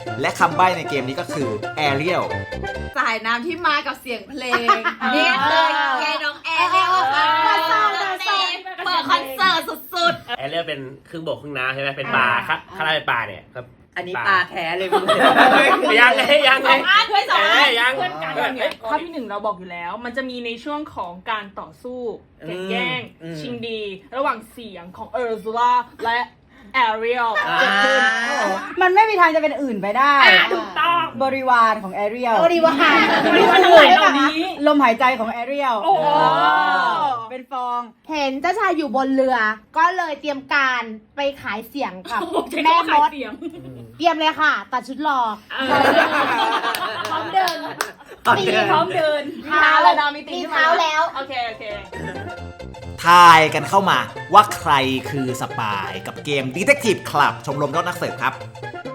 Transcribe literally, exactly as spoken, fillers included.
และคำใบ้ในเกมนี้ก็คือ Ariel สายน้ำที่มากับเสียงเพลงนี่เลยแกน้องแอร์เรียกว่าเปิดเปิดคอนเสิร์ตสุดแอเรียลเป็นครึ่งบกครึ่งน้ำใช่ไหมเป็นปลาครับข้างล่างเป็นปลาเนี่ยครับอันนี้ปลาแท้เลยมึงยังไงยังๆไงสองอันไม่สองอันยังเพื่อนกันเนี่ยข้อที่หนึ่งเราบอกอยู่แล้ว มันจะมีในช่วงของการต่อสู้แข่งแย่งอืมชิงดี ระหว่างเสียงของเออร์ซูล่าและแอเรียลเกิดขึ้นมันไม่มีทางจะเป็นอื่นไปได้อ่ะถูกต้องบริวารของแอเรียลบริวารบริวารทั้งหลายเหล่านี้ลมหายใจของแอเรียลโอ้โหเป็นฟองเห็นเจ้าชายอยู่บนเรือ ก็เลยเตรียมการไปขายเสียงกับใช้แม่คำว่าม ขายดเสียงเตรียมเลยค่ะ ตัดชุดรอ พร้อมเดินตีพร้อมเดินเท้าแล้วดาวมีตีมีขึ้นเท้าแล้วโอเคโอเคทายกันเข้ามาว่าใครคือสปายกับเกม Detective Club ชมรมยอดนักสืบครับ